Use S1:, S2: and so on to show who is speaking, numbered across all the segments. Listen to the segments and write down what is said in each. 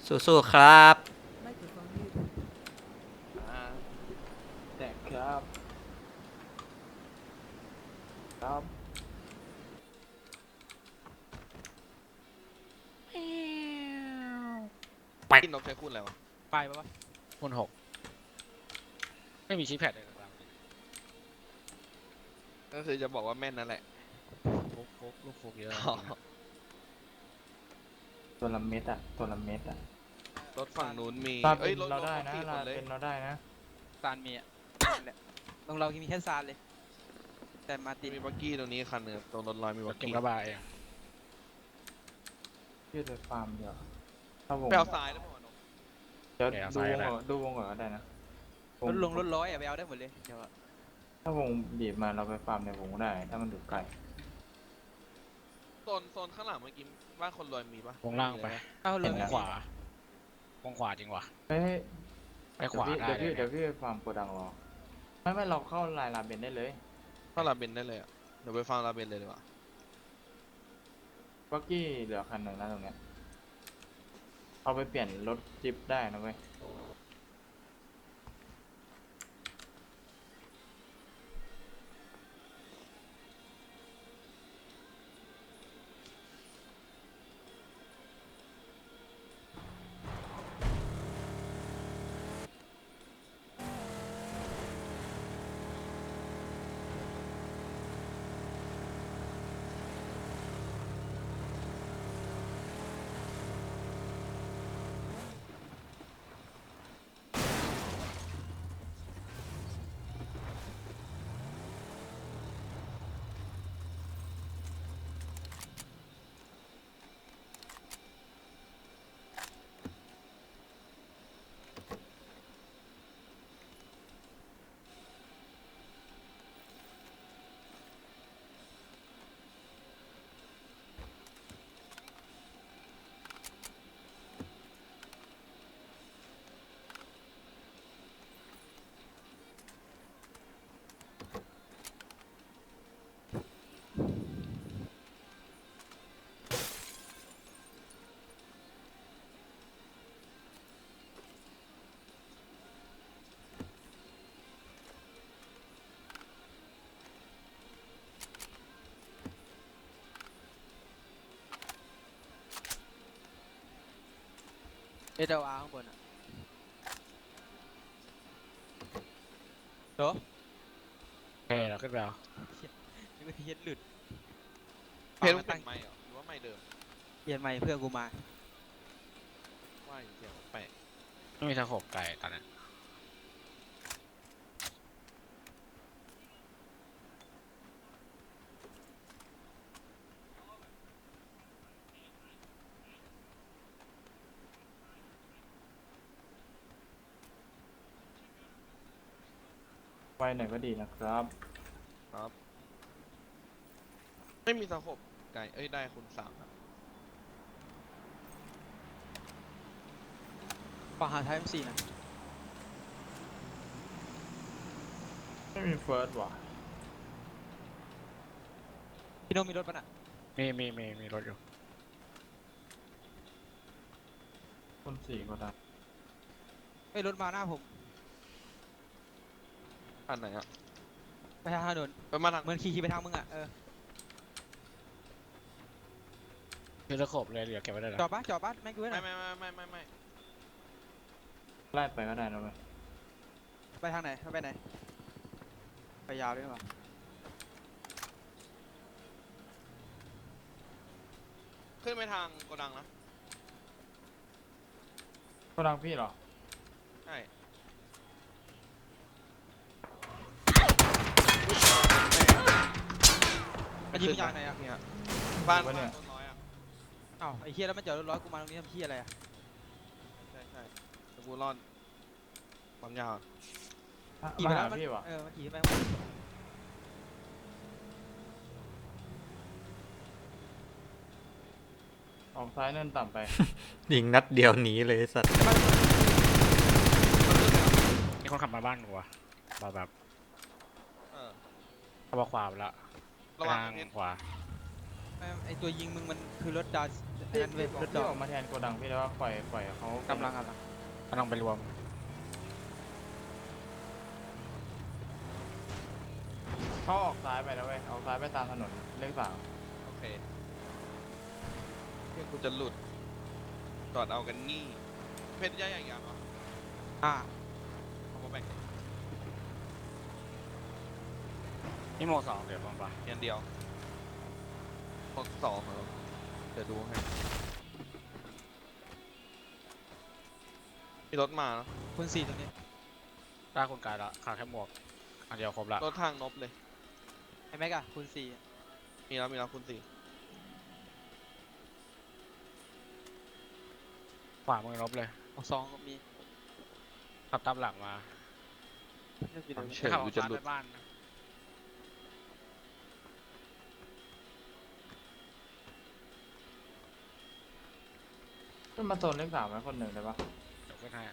S1: สู้ๆครับ
S2: อ่าแจกครับครับ
S1: ไป
S3: กินนกใช้คูณอะไรวะ
S4: ไปปะวะคูณ6ไม่มีชิปแพดเลยนะครับ
S3: ก็คือจะบอกว่าแม่นนั่นแหละ
S4: ฟุกลูกฟุกเยอะ
S3: อ๋อ
S4: จริงๆอะ
S2: ตัวละเม็ดอะตัวละเม็ดอะ
S3: รถฝั่งนู้นมี
S2: ลา
S3: เอ้ย
S2: เป็น
S3: รถ
S2: เราได้
S3: รถ
S2: นะ
S3: สี่ค
S2: ลาน
S3: เลย
S2: เป็นเราได้นะ
S4: ซานมีอ่ะนั่นแหละตรงเรามีแค่ซานเลย แต่มาติด
S3: มีบักกี้ตรงนี้คันหนึงตรงรถลอยมีบัก
S4: เก็บ
S3: กี้
S4: ระบายเอง
S2: ยืดไปฟาร์มเดียวถ้าวง
S3: ไปเอาซ้ายได้ป่ะนก
S2: เดี๋ยวดูวงก่อนก็ได้นะ
S4: รถลงรถร้อยอะไปเอาได้หมดเลยเดี๋ยวอะ
S2: ถ้าวงบีบมาเราไปฟาร์มในวงได้ ถ้ามันดูไกล
S3: โซนข้างหลังเมื่อกี้บ้านคนรวยมีปะ
S4: วงล่างไป
S2: เอาเลย
S4: วงขวา วงขวาจริงวะ
S2: เฮ้ย
S4: ไปขวาได้
S2: เดี๋ยว
S4: เลย
S2: พี่ไปฟาร์มโกดังรอไม่เราเข้าลายลาเบนได้เลย
S3: เข้าลาเบนได้เลยอ่ะเดี๋ยวไปฟังลาเบนเลยดีกว่า
S2: บักกี้เหลือคันหนึ่งนะตรงเนี้ยเอาไปเปลี่ยนรถจิ๊บได้นะเว้ย
S4: เอเดอาร์ข้างบนอะโถโอเคเราขึ้นไปเอานี่ก็เฮ็ดหลุด
S3: เพจมึงเปลี่ยนไมค์เหรอหรือว่าไมค์เดิม
S4: เปลี่ยนใหม่เพื่อนกูมา
S3: ว่าอยู่เสียงแปลก
S4: ไม่มีทางหกไกลตอนนั้น
S2: ไวหน่อยก็ดีนะครับ
S3: ครับไม่มีสะขบไกลเอ้ยได้คุณสามอะ
S4: ปะหาไทม์สี่นะ
S2: ไม่มีเฟิร์สว่ะ
S4: พี่โนมีรถปะน่ะมีรถอยู่
S2: คนสี่ก็ได้
S4: ไม่รถมาหน้าผม
S3: อันไหนอ่ะ
S4: ไปทางถนน
S3: ไปมาทาง
S4: เหมือนขี่ไปทางมึงอ่ะคือตะขบเลยเหลือเก็บไว้ได้จอดปะแม่งกูไว้หน่
S3: ไม่
S4: อย
S3: ไม่
S2: ไล่ไปก็ได้นะเว้ย
S4: ไปทางไหนไปไหนไปยาวเลยป่ะ
S3: ขึ้นไปทางโกดังนะ
S2: โกดังพี่เหรอ
S3: ใช่
S4: มันยิงมาจากไหนอ่ะ
S3: เนี่ยบ้าน
S2: วะเนี่ย
S3: ต้นน้อยอ่ะ
S4: อ้าวไอ้เฮียแล้วมันจอดรถร้อยกูมาตรงนี้ทำเฮียอะไรอ่ะ
S3: ใช่ตะกูรอดความยาว
S4: ขี่
S2: มา
S4: ไปแล้
S2: หาว
S4: มัน
S2: พี่วะ
S4: มันขี่ไป
S2: ออกซ้ายเนินต่ำไป
S1: ยิงนัดเดียวหนีเลยไอ้สัตว์
S4: มีคนขับมาบ้านกูอ่ะแบบ
S3: เออ
S4: ขับขวาไปละ
S3: ระวัง
S4: ทาง
S3: เพชร
S4: ขวาไอตัวยิงมึงมันคือรถดาวไอ้
S2: พี่
S4: นั่นเว้ยรถด
S2: พี่
S4: อก
S2: ออกมาแทนโกดังพี่แล้วว่าปล่อยเขา
S4: กำลัง
S5: ไปรวม
S2: เขาออกซ้ายไปแล้วเว้ยออกซ้ายไปตามถนนเลข 3
S3: โอเคเพื่อนกูจะหลุดจอดเอากันนี่เพชรย่าอย่างเหรอ
S4: อ่า
S3: เอามาแบ่ง
S5: นี่โมสองเดี๋ยวลงปะ
S3: เพียนเดียวพวกสองเหรอเดี๋ยวดูให้มีรถมาเนอะ
S4: คุณ4ตรงนี้
S5: ได้คนกายละขาดแค่หมวกอันเดียวครบละ
S3: รถทางนบเลย
S4: ไอแม็กอะคุณ4
S3: มีแล้วคุณสี่
S5: ขวามือลบเลย
S4: ออก2ก็มี
S5: ขับตามหลังมา
S3: เฉย
S5: ขับ
S3: กู
S5: อ
S3: จะ
S5: อก
S3: หลุ
S5: ซ้าย
S3: ด
S5: ไปบ้านนะ
S2: ขึ้นมาโซนเลข 3ไว้คนหนึ่งได้ปะ
S5: เดี๋ยวขึ้นให้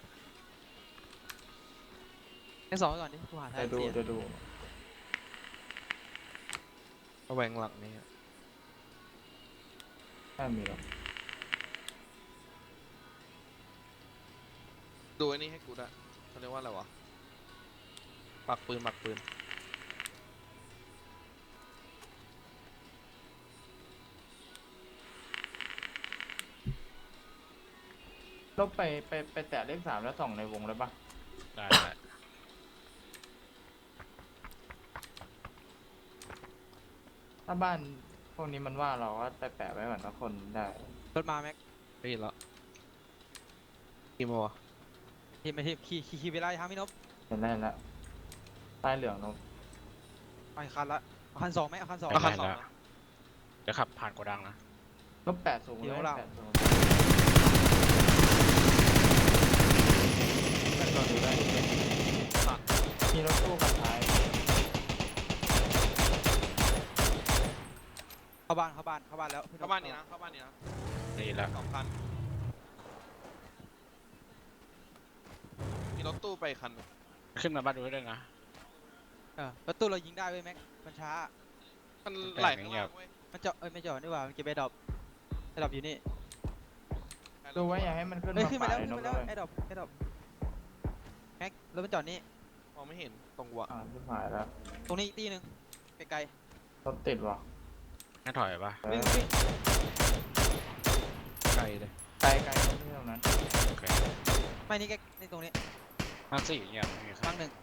S4: ไอ2ไปก่อนดิกูหาทาง
S2: เดี๋ยวดู
S4: เสีย
S2: เดี๋ยวดู
S3: ระแวงหลังนี่อะ
S2: ไม่มีหรอก
S3: ดูไอ้นี่ให้กูด้วยเขาเรียกว่าอะไรวะปักปืน
S2: ลบไปแตะเลข 3แล้วส่องในวงได้ปะ
S5: ได้ได้
S2: ถ้าบ้านพวกนี้มันว่าเราก็ไปแปะไว้ก่อนทุกคนได้
S4: รถมาแม็ก
S3: ได้ยินแล้วกี่โมงวะ
S4: ทีมไปทีมขี่เวลาทางพี่นพ
S2: เห็นได้แล้วใต้เหลืองนก
S4: ไปคันละเอาคัน2ไหมเอาคัน2
S3: เอาคัน 2
S5: แล้วเดี๋ยวขับผ่านโกดังนะ
S2: ลบ8 สูง
S4: เดี๋
S2: เลย
S4: ยวเรา
S2: 8 สูงเป็นตัวดูได้มีรถตู้กับท้าย
S4: เข้าบ้านแล้วพี่
S3: เข้าบ้านนี้นะเข้าบ้านนี้นะ
S5: นี่แล้ว
S3: 2 คันมีรถตู้ไปคันหนึ่ง
S5: ขึ้นมาบ้านดูด้วยนะ
S4: รถตู้เรายิงได้เว้ยแม็กมันช้า
S3: มันไหลข้างล่างเว้ย
S4: มันเจาะไม่เจาะนี่หว่ามันเก็บไอ้ดรอปอยู่นี่
S2: ดูไว้อย่าให้มันขึ้น
S4: เฮ้ย
S2: มา
S4: ขึ้นมา
S2: ป่า
S4: แล้ว
S2: ยน
S4: ขึ้น
S2: ก
S4: มา
S2: เล
S4: แล้ว
S2: ย
S4: ไอ้ดรอปแม็กรถมันจอดนี่
S3: มองไม่เห็นตรงหัว
S2: ที่หายแล้ว
S4: ตรงนี้อีกตีหนึงไกล
S2: รถติดว่ะ
S5: ให้ถอยปะ
S2: เอ
S4: ๆวิ่
S2: อง
S4: วิ่ง
S3: ไกลเลย
S2: ไกลไกลตรงที่ตรงนั้น
S5: โอเค
S4: ไม่นี่แกนี่ตรงนี้
S5: นั่งสี่เงียบไม่มีใคร
S4: บ้างหนึ่ง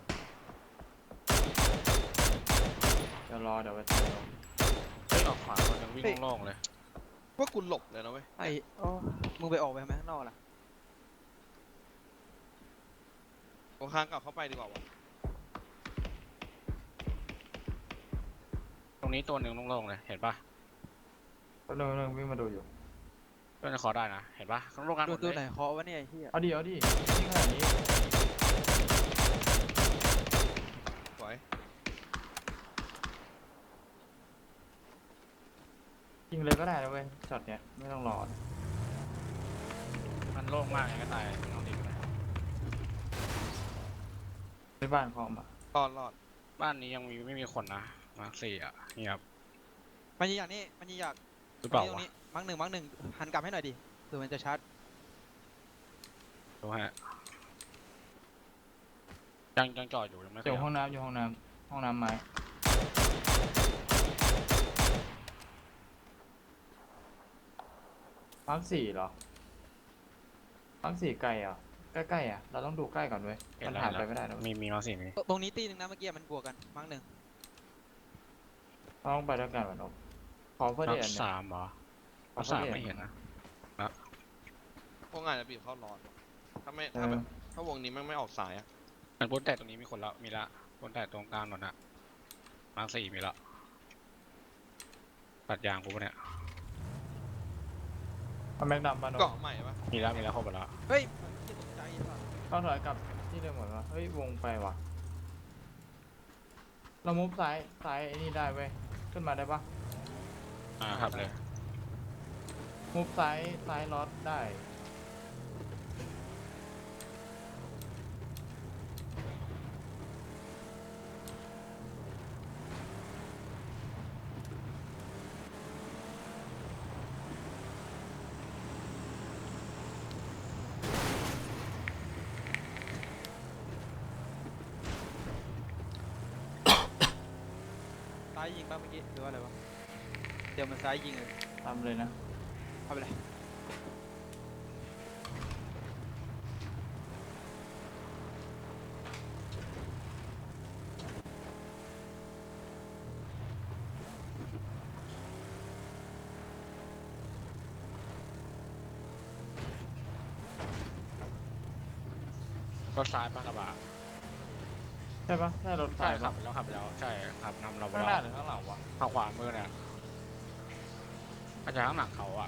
S2: เดี๋ยวรอเดี๋ยวไปทำลง
S5: เฮ้ยออกขวาคนหนึงวิ่งโล่งๆเลย
S3: ว่ากูหลบเลยนะเว้ย
S4: ไอ้โอ้มึงไปออกไปทำไมข้างนอกล่ะ
S3: ตรงข้างกลับเข้าไปดีกว่าวะ
S5: ตรงนี้ตัวหนึ่งโล่งๆเลยเห็นปะ
S2: ก็เรื่องวิ่งมาดูอยู่
S5: เพื่อนจะขอได้นะเห็นปะข้างโล่งกันหมด
S4: ดู
S5: เล
S4: ไหน
S5: ย
S4: เคาะวะเนี่ยไอ้เหี้ย
S2: เอาดิยิงขนาดนี้
S3: สวย
S2: ยิงเลยก็ได้นะเว้ยช็อตเนี้ยไม่ต้องรอ
S5: มันโล่งมากอย่างก็ตายไม่ต้องดีก็ได้
S2: ในบ้านคอมอ่ะ
S3: รอด
S5: บ้านนี้ยังไม่มีคนนะมาร์คสี่อ่ะเงียบ
S4: มันยิงอย่างนี้มันยิงอย่าง
S5: หรือเปล่า
S4: ตรง
S5: วะ
S4: นี้มังหนึ่งหันกลับให้หน่อยดิเผื่อมันจะชาร์จ
S5: ดูฮะยังจอดอยู่ยังไม่
S2: อ
S5: ข
S2: ยู่
S5: ยับ
S2: ห้องน้ำห้องน้ำไม้มาร์ค4เหรอมาร์ค4ไกลอ่ะใกล้ๆอ่ะเราต้องดูใกล้ก่อนเว้ย
S5: เห็
S2: มัน
S5: แล้ว
S2: ผ่าน
S5: เห็น
S2: ไป
S5: แล้ว
S2: ไม่ได้นะเว้ย
S5: มีมาร์คสี่มี
S4: ตรงนี้ตีหนึ่งนะเมื่อกี้มันบวกกันมังหนึ่ง
S2: เราต้องไปด้วยกันวะนกขอเพื่อ
S5: มา
S2: เดีย
S5: ร์
S2: น
S5: ค
S2: เนี่ย
S5: สามเหรอ
S2: ขอ
S5: มาร์ค
S2: เพื่อ
S5: สาม
S2: เดียน
S5: ไม่เห็นนะ
S3: พวกงานจะบีบเข้ารอนถ้าไม่
S2: เอ
S3: ถ้า
S2: อ
S3: แบบถ้าวงนี้ไม่ออกสายอะ
S5: มันพ้นแต่ตรงนี้มีคนละมีละพ้นแต่ตรงกลางนนอะมาร์คสี่มีละตัดยางกูปะเนี่ย
S2: เอาแม็กดำปะนก
S3: เกาะใหม่ปะ
S5: มีแล้วครบหมดแล้ว
S4: เฮ้ยที่ตกใจป่ะ
S2: เราถอยกลับที่เดิมหมดวะเฮ้ยวงไปว่ะเรามุฟซ้ายไอ้นี่ได้เว้ยขึ้นมาได้ปะ
S5: ครับเลย
S2: มุฟซ้ายล็อตได้
S4: ซ้ายยิงป่ะเมื่อกี้หรือว่าอะไรวะเดี๋ยวมันซ้ายยิงเลย
S2: ตามเลยนะ
S4: เข้าไปเลย
S5: รถซ้ายปะกระบะ
S2: ใช่ปะใช่รถไฟ
S5: ใช่ขั
S2: ปะ
S5: บไปแล้วขับไปแล้วใช่ขับนำเราไป
S2: ข้างห
S5: แล้
S2: น้าว หรือข้างหลังวะ
S5: ทางขวามือเนี่ยอาจจะข้างหลังเขาอ่ะ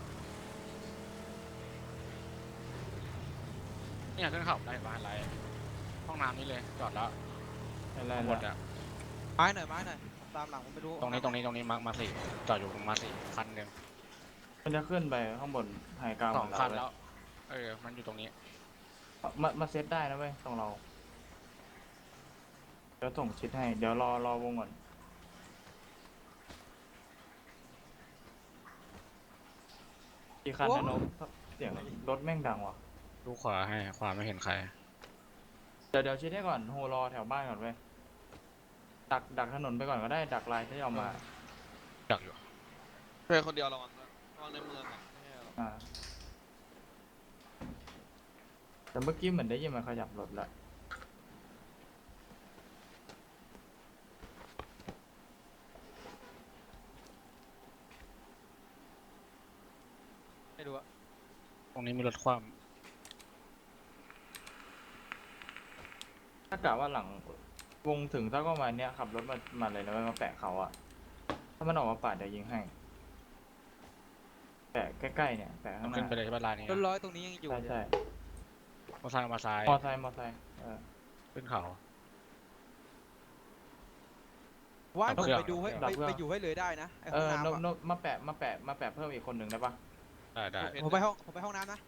S5: เนี่ยขึ้นเขาได้เห็นปะอะไรห้องน้ำนี่เลยจอดแล้ว
S2: อะไร
S5: ทั้งหมด
S2: นะ
S5: อ่ะ
S4: ไม้หน่อยผมตามหลังผมไม่รู้
S5: ตรงนี้มาสี่จอดอยู่มาสี่คันหนึ่ง
S2: มันจะขึ้นไปข้างบนไฮกลาง
S5: ส
S2: ข
S5: อ
S2: อง งเรา
S5: คัน
S2: เลย
S5: แล้วมันอยู่ตรงนี้
S2: มาเซตได้นะเว้ยตรงเราเดี๋ยวส่งชิดให้เดี๋ยวรอวงก่อนอีกคันนะนบเสียงรถแม่งดังว่ะ
S5: ดูขวาให้ขวาไม่เห็นใคร
S2: เดี๋ยวชิดให้ก่อนโฮรอแถวบ้านก่อนเว้ยดักถนนไปก่อนก็ได้ดักลายที่เอามา
S5: ดักอยู่
S3: เพื่อนคนเดียวระวังนะระวังในเมืองอ่ะไม่ใช่หรอก
S2: อ่าแต่เมื่อกี้เหมือนได้ยินมันขยับรถละ
S4: ไม่รู้อะ
S5: ตรงนี้มีรถคว่
S2: ถ้ากะว่าหลังวงถึงสักประมาณเนี้ยขับรถมาเลยนะเว้ยมาแปะเขาอะถ้ามันออกมาปาดเดี๋ยวยิงให้แปะใกล้ๆเนี่ยแปะ
S5: ำ
S2: ข้างห
S5: ขึ้น
S2: น้า
S5: ไปเลยใช่ปะลานนี้
S4: รถร้อยตรงนี้ยังอยู่
S2: ใช่ใช่
S5: มอซ้ายมาซ้าย
S2: มอไซค์
S5: ขึ้นเขา
S4: ว่า
S5: ดับ
S4: ผม
S5: เครื่อง
S4: ไปดูให้
S2: ดับเครื่อง
S4: ไปอยู่ให้เลยได้นะไอ้
S2: เอ
S4: ห้อง
S2: อ
S4: น้ำอะ
S2: นบมาแปะเพิ่มอีกคนหนึ่งได้ปะ
S5: ได้
S4: ผมไปห้องน้ำนะ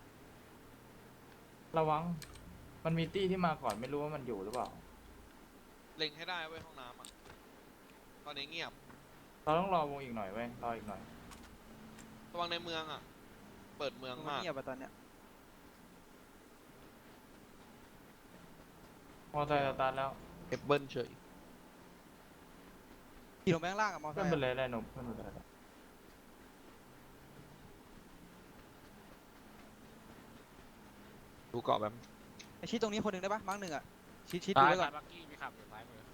S2: ระวังมันมีตี้ที่มาก่อนไม่รู้ว่ามันอยู่หรือเปล่า
S3: เล็งให้ได้เว้ยห้องน้ำอ่ะตอนนี้เงียบ
S2: เราต้องรอวงอีกหน่อยเว้ยรออีกหน่อย
S3: ระวังในเมืองอ่ะเปิดเมือง
S4: มัน
S3: มาก
S4: เงียบอะตอนเนี้ย
S2: มอไซค์สตาร์ทแล้ว
S3: เอฟเบิลเฉย
S4: ขี่ลงไปข้างล่างอะมอเตอ
S2: เพื่อน
S4: ร์ไซ
S2: ไป
S4: ค์
S2: เลยได้นบเพื่อนไปเลย
S3: ดูเกาะแบบ
S4: ไอชิดตรงนี้คนหนึ่งได้ปะมาร์กหนึ่งอะชิดดู
S5: ซ้าย
S4: ไว้ก่อน
S5: บักกี้มีขับอยู่ซ้ายมือ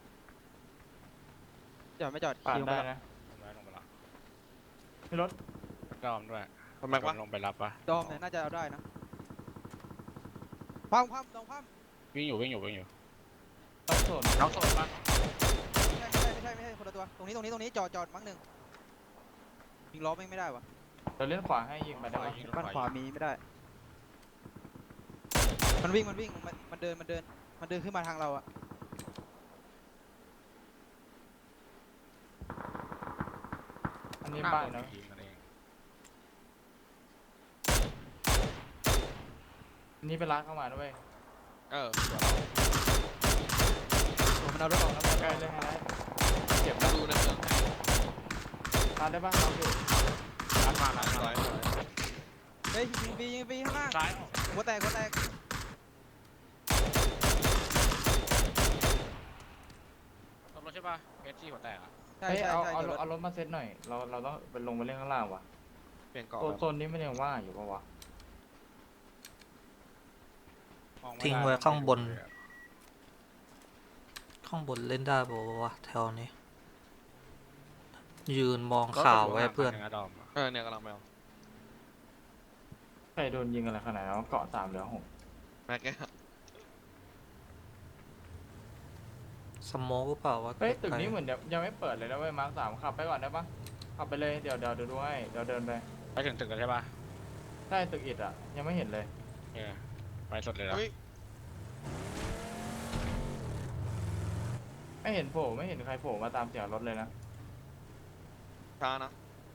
S4: จอดไม่จอด
S2: ปาด
S4: ขี่ลงไป
S2: ได้
S4: ก่อน
S2: นะ
S5: ลงไปแล้ว
S2: มีรถ
S5: ดอมด้วย
S3: ทำไมวะ
S5: ลงไปรับปะ
S4: ดอมเนี่ยน่าจะเอาได้นะพัมดอมพัม
S5: วิ่งอยู่
S2: ต้องสน
S5: น้องโซนปะ
S4: ไม่ใช่คนละตัวตรงนี้จอดมาร์กหนึ่งยิงล้อไม่ได้วะ
S2: เดี๋ยวเล่นขวาให้ยิงไปได้ปะ
S4: บ้านขวามีไม่ได้ มันวิ่งมันเดินขึ้นมาทางเราอะ
S2: อันนี้บ้านนะ
S5: ยิงกันเอง
S2: อันนี้เป็นร้านเข้ามาด้วย
S3: เออ
S4: มันเอารถออกแล้ว
S2: ใกล้เลยให้ได้เจ็บ
S3: มา
S2: นะ
S3: ดูในเมืองให้
S2: ทานได้ปะเราอยู่
S5: ร้านมาร้าน
S3: ส
S5: มา
S3: วย
S4: เฮ้ยยิงปีข้างล่าง
S5: ซ้าย
S4: หัวแตก
S5: รถใช่ปะเพชรที่หัวแตกอ่ะ
S4: ใช่
S2: เฮ้ย
S4: ใช่
S2: เอา
S4: ใช่
S2: เอา
S4: จอดรถ
S2: เอารถมาเซตหน่อยเราต้องไปลงไปเล่นข้างล่างว่ะ
S3: เปลี่ยนเกาะ
S2: โซน
S3: แบบ
S2: โซนนี้ไม่ยังว่างอยู่ปะวะ
S5: มอม่ด้
S1: ทิ้งไว้ข้างบน ข้างบนเล่นได้ปะวะแถวนี้ ยืนมองข่าวไว้เพื่อน
S5: รถยู่ข้างหลังดอมอะ
S3: เนี่ยกำลังไปเอา
S2: ใครโดนยิงอะไรขนาดนั้นเกาะ3เหลือ6
S3: แม็กแก
S1: สโมกหรือเปล่าวะ
S2: เฮ้ยตึกนี้เหมือนยังไม่เปิดเลยนะเว้ยมาร์ค3ขับไปก่อนได้ปะขับไปเลยเดี๋ยวดูให้เดี๋ยวเดินไป
S5: ไปถึงตึกแล้วใช่ปะ
S2: ใช่ตึกอิฐอ่ะยังไม่เห็นเลย
S5: ไปสดเลยแล้ว
S3: เฮ้ย
S2: ไม่เห็นโผล่ไม่เห็นใครโผล่มาตามเสียงรถเลยนะ
S3: ช้านะ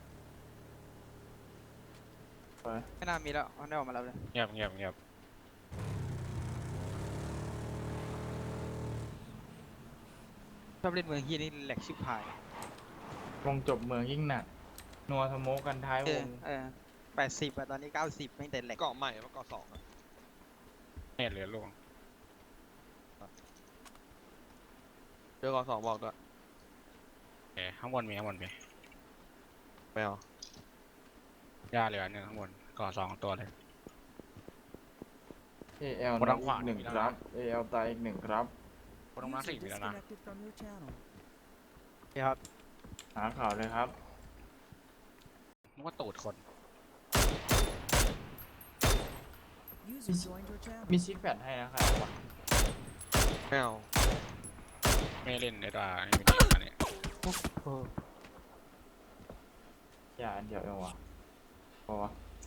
S2: ไป
S4: ไม่น่ามีแล้วมันได้ออกมาแล้วเลย
S5: เงียบ
S4: ชอบเล่นเมืองฮียนี่แหลกชิบหายว
S2: งจบเมืองยิ่งหนักนัวสโมกกันท้ายวง
S4: 80อะตอนนี้90ไม่แต่แหลก
S3: เกาะใหม่ว่าเกาะสองอะ
S5: เน็ตเหลือลง
S3: เจอเกาะสองบอกด้วย
S5: โอเคข้างบนมี
S3: ไม่เอา
S5: หญ้าเหลือเนี่ยข้างบนก่อ2 ตัวเลย
S2: AL
S5: คน
S2: น็
S5: ทา
S2: อก
S5: งข
S2: อี
S5: วาก
S2: 1
S5: มีแล้ว
S2: ครั
S5: นะ
S2: บ AL ตายอีก 1 ครับ
S5: คนตรงนั้น
S6: User
S5: 4มีแล้วนะ
S6: disconnected from your channel.
S4: ครับ
S2: หาข่าวเลยครับ
S5: นึกว่าตูดคน
S6: User joined your channel.
S2: มีชิคแพดให้นะครับ
S3: ไม่เอา
S5: ไม่เล่นเดี๋ยวนี่เป็นอันนี้
S2: อย่าอันเดียวเองวะพอวะ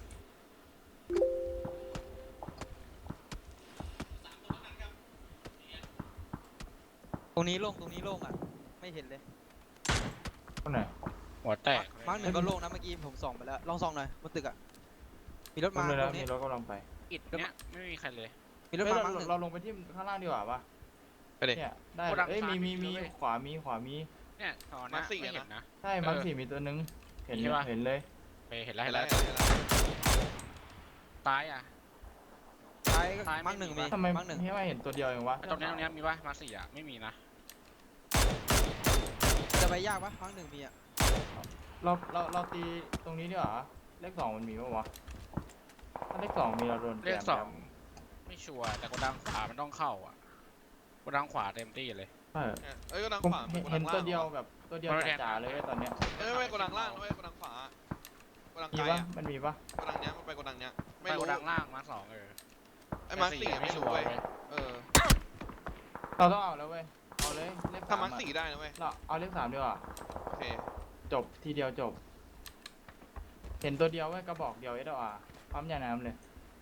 S4: ตรงนี้โล่งอ่ะ ไม่เห็นเลย
S2: คนไหน
S5: หัวแตก
S4: มาร์กหนึ่งก็โล่งนะเมื่อกี้ผมส่องไปแล้ว ลองส่องหน่อยบนตึกอ่ะ มีรถ
S2: มา
S4: มา
S2: เลย
S4: ต
S2: นะ
S4: รง
S2: มี
S4: นี้
S2: รถกำลังไป
S5: อิดเนี้ยไม่มีใครเลย
S4: มีรถ
S2: เฮ้ย
S4: มามาร์กหนึ่ง
S2: เราลงไปที่ข้างล่างดีกว่าปะ
S3: ไปดิ
S2: เนี่ยได้
S5: โกดัง
S2: เอ้ย
S5: ซ้าย
S2: มี
S5: มีด้วย
S2: ขวามี
S5: เนี่ยตอน
S3: มา
S5: นี้
S3: สี่
S5: ไม่
S3: อะนะ
S5: เห็นนะ
S2: ใช่มาร์ค4มีตัวนึงเห็น
S5: มีปะ
S2: เห็นเลย
S5: ไปเห็นแล้ว
S3: เห็
S5: เห็
S3: น
S5: น
S3: แล้
S5: แล้ว ว
S3: เห็นแล้ว
S5: ซ้ายอ่ะ
S4: ซ้าย
S5: ซ้ายไม่
S4: มาร์กหนึ่ง
S5: มี
S4: มี
S2: ทำไม
S4: มาร์กหนึ่ง
S2: ให้มาเห็นตัวเดียวเองวะ
S5: ตรงนี้มีปะมา4อ่ะไม่มีนะ
S4: จะไปยากปะมาร์กหนึ่งมีอ่ะ
S2: เราตีตรงนี้ดีกว่าเลข2มันมีปะวะถ้าเลข2มีเราโดน
S5: เลข
S2: แจม
S5: 2ไม่ชัวร์แต่กดดังขวามันต้องเข้าอ่ะกดดังขวาเต็มที่เลย
S2: เออ
S3: เอ้ยกดัง
S2: ผม
S3: ขวา
S2: เห็น
S3: ก
S2: ตัว
S3: ง
S2: เดียว
S3: ล่าง
S2: แบบตัวเดียว
S5: มันแทน
S2: จ๋าๆเลยเว้ยตอนเนี้ย
S3: เอ้ยไม่กดังล่างไม่กดังขวากดัง
S2: มี
S3: ไกล
S2: ปะ
S3: อ่ะ
S2: มันมีปะ
S3: กดังเนี้ยมันไปกดังเนี้ยไม่
S5: ไปก
S3: รู้
S5: ดดังล่างมา2
S3: ไอ้มาร์คสี่
S5: ไม่
S3: ไม่
S5: ชั
S3: รู้
S5: วร์
S3: เว้ย
S5: เว้ย
S3: เออ
S2: เราต้องเอาแล้วเว้ยเอาเลยเลข
S3: ถ้า
S2: 3
S3: มาร์ค
S2: อะ
S3: สี่ได้นะเว้ย
S2: เราเอาเลข3ดีกว่า
S3: โอเค
S2: จบทีเดียวจบ เห็นตัวเดียวเว้ยกระบอกเดียวเอสอาร์ปั๊มยาน้ำเลย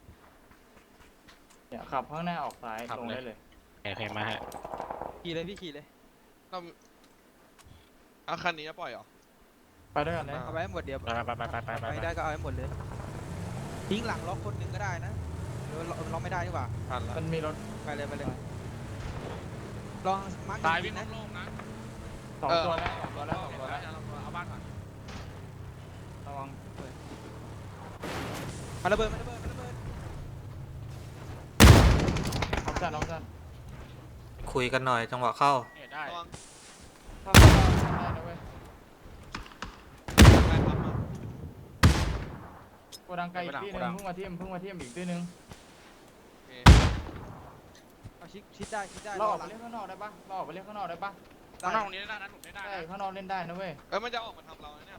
S2: เนี่ยขับข้างหน้าออกซ้ายลงได้เลย
S5: โอเคมาฮะ
S4: ขี่เลยพี่ขี่เลย
S3: เราเอาคันนี้จะปล่อยเหรอ
S2: ไปด้วยกันเลย
S4: เอาไปให้หมดเดี๋ยว
S5: ไปไปไปไปไปไป
S4: ไม่ได้ก็เอาให้หมดเลย ทิ้งหลังล็อกคนหนึ่งก็ได้นะหรือว่าล็อกไม่ได้ดีกว่า
S3: ทันละ
S2: มันมีรถ
S4: ไปเลยไปเลย ลองมาร์กห
S5: ตาย
S4: นึ่
S5: วิ่
S4: ง
S5: ง
S4: นะ
S5: โล่งๆนะ
S2: 2 ตัวแล้ว2 ตัวแล้ว 2 ตัวแล้ว
S5: เอาบ้านก่อน
S2: ระวัง
S4: มาระเบิดมาระเบิดมาระเบิด
S2: น้องจันน้องจัน
S1: คุยกันหน่อยจังหวะเข้า
S5: เนี่ยได้
S3: ระวัง
S2: ถ้าเราได้นะเว้ย
S3: ได้ปั๊มมา
S2: โกดังไกลอีกที่หนึงเพิ่งมาเทียมอีกที่หนึง
S3: โอเค
S4: เอาชิดได้ชิดได้
S2: เราออก
S4: ห
S2: ไป
S4: ลัง
S2: เล่นข้างนอกได้ปะเราออกไปเล่นข้างนอกได้ปะ
S5: ข้างนอกตรงนี้ได้นะหนุนได้
S2: ใช่
S5: นะ
S2: ข้างนอกเล่นได้นะเว้ย
S3: มันจะออกมาทำเราเนี่ย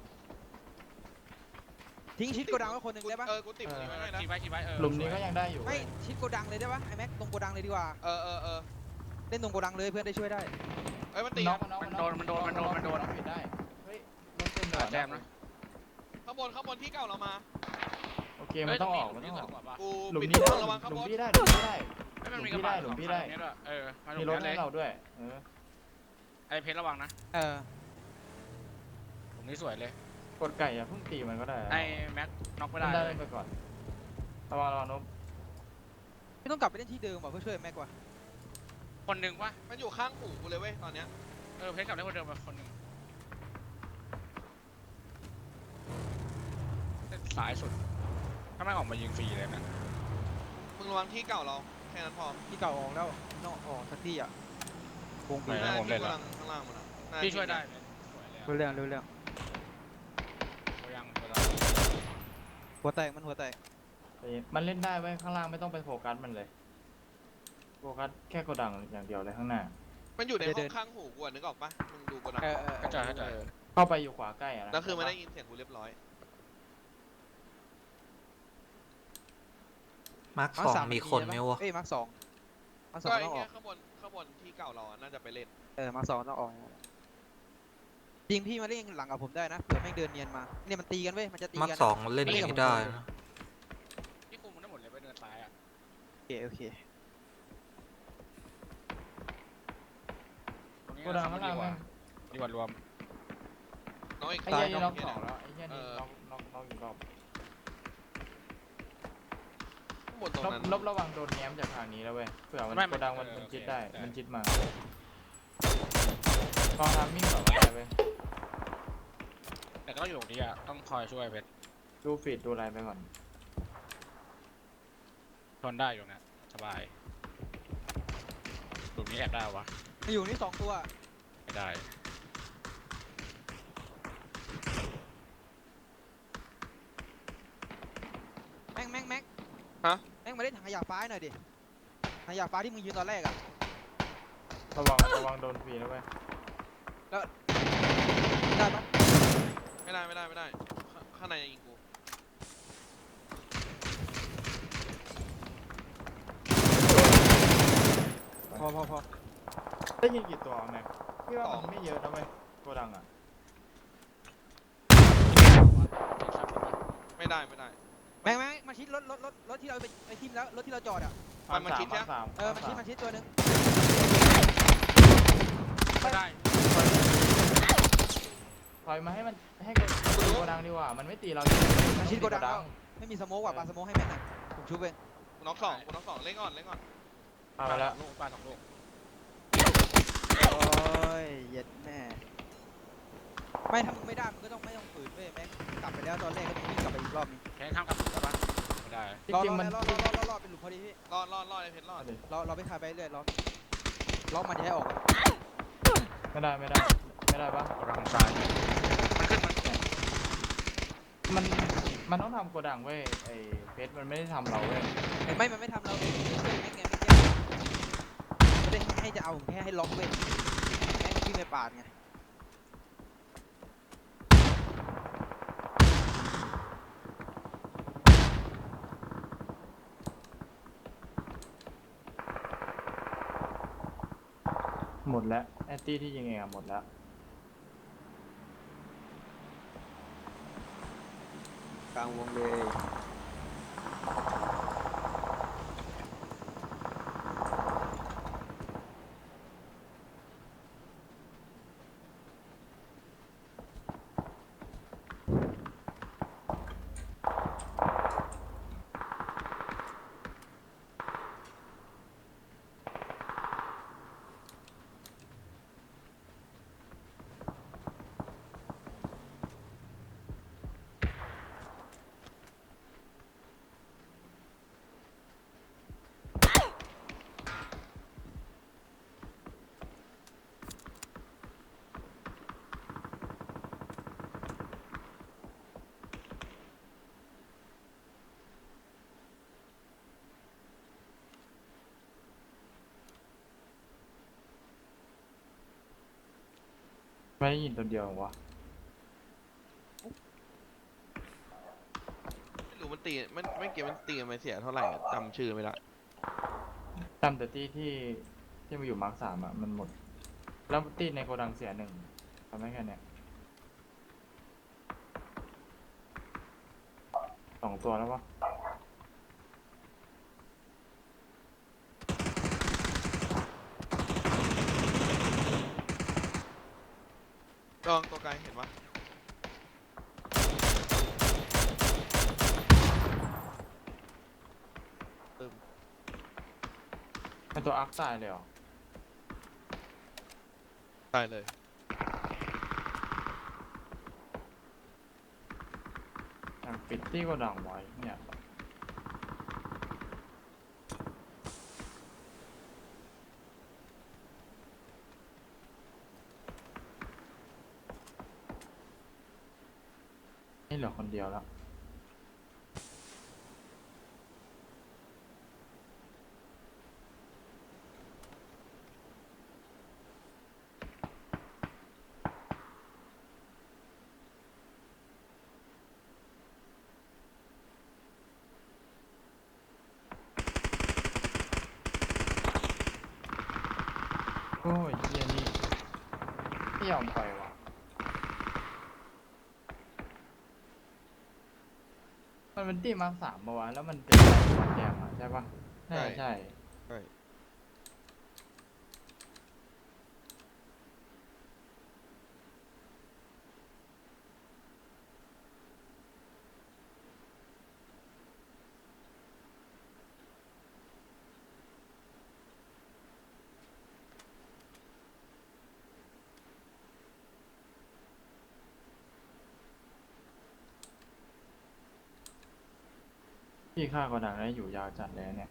S4: ทิ้งชิดโกดังไว้คนหนึ่งได้ปะ
S3: กูติดตรงนี้ไว้ให้นะ
S5: ขี่ไปเออ
S2: หลุมนี้ก็ยังได้อยู่
S4: ไม่
S2: เว้ย
S4: ชิดโกดังเลยได้ปะไอ้แม็กตรงโกดังเลยดีกว่า
S3: เออ
S4: เล่นตรงโกดังเลยเพื่อนได้ช่วยได้
S3: เอ้ยมันตี
S2: น็อก
S3: นะ
S2: น็อกปิดได้เฮ้ยรถเต็มเลย
S5: แจมนะ
S3: ข้างบนที่เก่าเรามา
S2: โอเคมันต้องออกมันต้องออก
S3: กู
S2: หลุม
S3: ปิด
S2: นี้ได้
S3: ระวังข้าง
S2: หลุ
S3: บ
S2: ม
S3: น
S2: พี่ได้หลุมพี่ได้
S5: ไม่มันมีกระบะ
S2: หลุมพี่ได้
S5: ด้วยเออมาหลุ
S2: มี
S5: ม
S2: รถ
S5: นั้นเล
S2: ให้
S5: ย
S2: เราด้วย
S5: ไอ้เพชรระวังนะ
S4: เออ
S5: หลุมนี้สวยเลย
S2: กดไก่อย่าเพิ่งตีมันก็ได้
S5: ไอ้แม็กน็อกไม่
S2: ได้
S5: ได้
S2: ได้ไปก่อนระวังนบ
S4: ไม่ต้องกลับไปเล่นที่เดิมว่ะเพื่อช่วยแม็กว่ะ
S5: คนหนึ่งวะ
S3: มันอยู่ข้างหูกูเลยเว้ยตอนเนี้ย
S5: เออเพชรกลับได้คนเดิมมาคนหนึ่งสายสุดถ้าไม่ออกมายิงฟรีเลยนะ
S3: มึงระวังที่เก่าเราแค่นั้นพอ
S4: ที่เก่าออกแล้วนอกออกสักที่อ่ะวง
S5: ไป
S4: ปี
S5: แล้
S3: น่าว
S5: ผม
S3: ที่
S5: เล่น
S3: กำ
S5: แล้
S3: ลั
S5: ว
S3: งข้างล่างมันอ่ะน่า
S5: พี่ช่วยได้
S3: ที่
S5: สวยเลย
S4: เรื่อง
S5: ตัวยัง
S4: หัวแตกมันหัวแตก
S2: มันเล่นได้ไว้ข้างล่างไม่ต้องไปโฟกัสมันเลยโฟกัสแค่โกดังอย่างเดียวเลยข้างหน้า
S3: มันอยู่ในห้องข้างหูกูอะนึกออกปะมึงดูกูนะ
S5: เข้าใจ
S2: เข้าไปอยู่ขวาใกล้อะนะ
S3: แล้วคือมันได้ยินเสียงกูเรียบร้อย
S1: มาร์ค
S4: มา
S1: สอง
S4: สาม
S1: มีคนไหมวะ
S4: เอ้ยมาร์คสองมาร์คสอ
S3: ก็
S4: ง
S3: ไอ้
S4: ต้องอ
S3: เนี้
S4: อย ก
S3: ข้างบนที่เก่าเราอะน่าจะไปเล่น
S4: มาร์คสองต้องออกจริงพี่มาเล่นหลังกับผมได้นะเผื่อแม่งเดินเนียนมาเนี่ยมันตีกันเว้ยมันจะตี
S1: มาร์
S4: กั
S1: คน สองเล่นอย่างนี้ได้นะ
S5: ที่คุมมันได้หมดเลยไปเดินซ้ายอ่ะ
S4: โอเค
S5: ตรงนี้
S2: โกดังข้างล่างแม่ง
S5: ดีกว่ารวม
S3: น้องอีก
S2: ไอ้เหี้ยนี่น็อกสองแล้วไอ้เหี้ยนี่
S3: เออ
S2: น็อกอีกรอบ
S3: ข้างบนตรงนั้น
S2: ลบระวังโดนแง้มจากทางนี้แล้วเว้ยเผื่อมันโกดังมันจิตได้มันจิตมาลองทำมิ่งก่อนก็ได้เว้ย
S5: แต่ก็อยู่ตรงนี้อ่ะต้องคอยช่วยเพชร
S2: ดูฟีดดูอะไรไปก่อน
S5: ทนได้อยู่นะสบายหลุมนี้แอบได้วะ
S4: มาอยู่นี่2 ตัว
S5: ไม่ได้
S4: แม็ก
S3: ฮะ
S4: แม็กมาเล่นถังขยะฟ้าให้หน่อยดิถังขยะฟ้าที่มึงยืนตอนแรกอะ
S2: ระวังโดนฟรีนะเว้ย
S4: ได้ปะ
S3: ไม่ได้ข้างในยังยิงกู
S4: พอ
S2: ได้ยินกี่ตัวแม็กพี่ว่ามันไม่เยอะนะเว้ยโกดังอ่ะ
S3: ไม่ได้
S4: แม็กมาชิดรถที่เราไปทิมแล้วรถที่เราจอดอะ
S3: มันชิดใช่ไหม
S2: สาม
S4: มันชิดตัวนึง
S3: ไม่ได้
S2: ถอยมาให้มันให้โกดังดีกว่ามันไม่ตีเรา
S4: มันชิดโกดังแล้วไม่มีสโมกว่ะปาสโมกให้แม็กหน่อยผมชุบเอง
S3: กูน็อกสองเล่นก่อน
S2: เอาไปแล้ว
S5: ลูกปลา2 ลูก
S4: โอ้ยเย็ดแม่ไม่ถ้ามึงไม่ได้มึงก็ต้องไม่ต้องฝืนเว้ยแม็กกลับไปแล้วตอนแรกก็ต้องวิ่งกลับไปอีกรอบนึง
S5: แค่ข้ามกับได้ปะไม่ได้
S2: จ
S4: รอ
S2: ริงๆมัน
S4: รอเป็นหลุมพอดีพี่
S3: รอดไอ้เพชรรอด
S4: เราไปคายไปเรื่อยล็อกมันจะให้ออก
S2: ไม่ได้ปะ
S5: กำลังซ้ายมันขึ้นมัน
S2: มันต้องทำโกดังเว้ยไอ้เพชรมันไม่ได้ทำเราเว้ย
S4: ไม่มันไม่ทำเราเลยไม่ไงไม่ได้ให้จะเอาแค่ให้ล็อกเว้ยแม็กวิ่งไปปาดไง
S2: หมดแล้วแอนตี้ที่ยิงเองอะหมดแล้ว
S4: กลางวงเลย
S2: ไม่ได้ยินตัวเดียววะ
S3: ไม่รู้มันตีไม่เกี่ยวมันตีมันเสียเท่าไหร่อะจำชื่อไม่ได้
S2: จำแต่ที่มาอยู่มาร์ค3อะมันหมดแล้วตีในโกดังเสีย1ทำได้แค่เนี้ย2 ตัวแล้วปะ
S3: ลองตัวไกลเห็นปะ
S2: เป็นตัวอาร์คตายเลยเหรอ
S3: ตายเลย
S2: ยังปิดที่โกดังไว้เนี่ยนี่เหลือคนเดียวแล้ว โอ้ยเฮียนี่ไม่ยอมไปว่ะมันเป็นตีมาร์ค3ปะวะแล้วมันเป็นมาแกมอ่ะใช่ปะใช่
S3: ใช่
S2: พี่ฆ่าก็ดังได้อยู่ยาวจัดเลยเนี่ย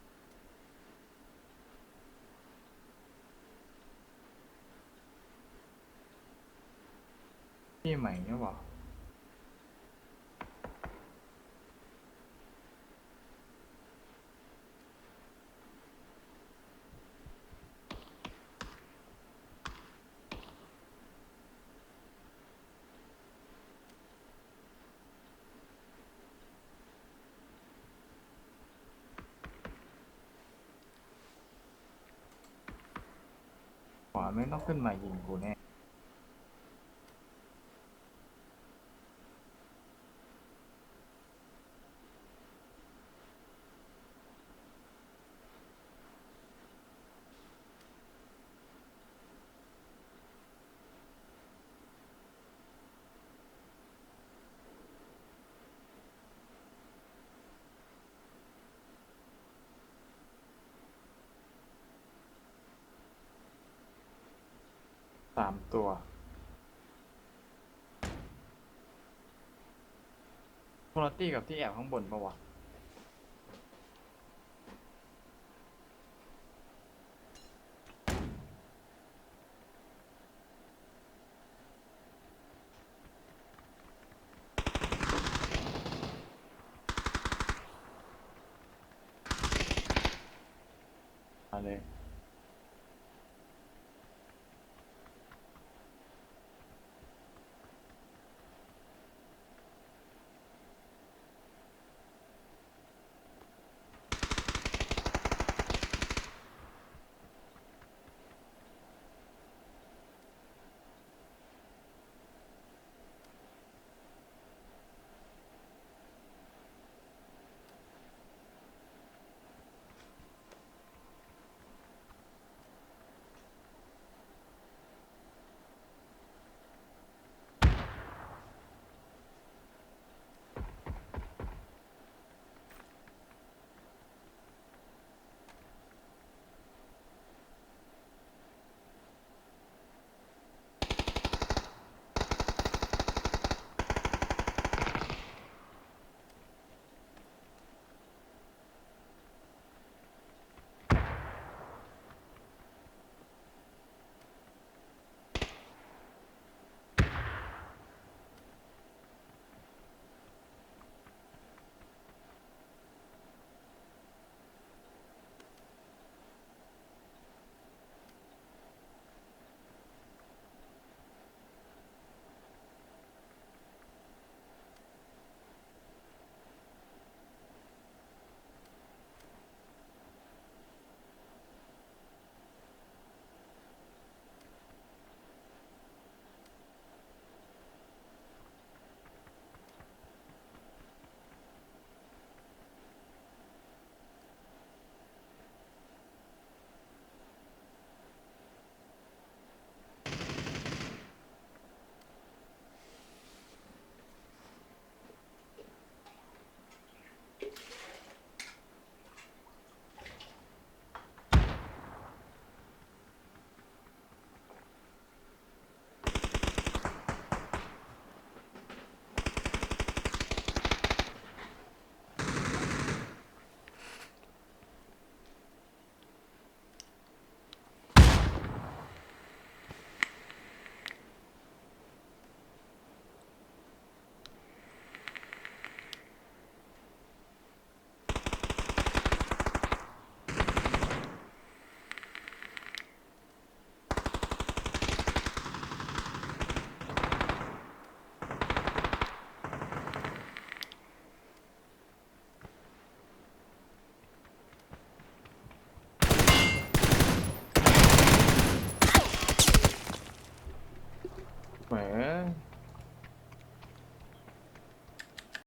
S2: พี่ใหม่เนี่ยบอกมันไม่ต้องขึ้นมายิงกูแน่ 3 ตัวคุณตี้กับที่แอบข้างบนปะวะมาเลย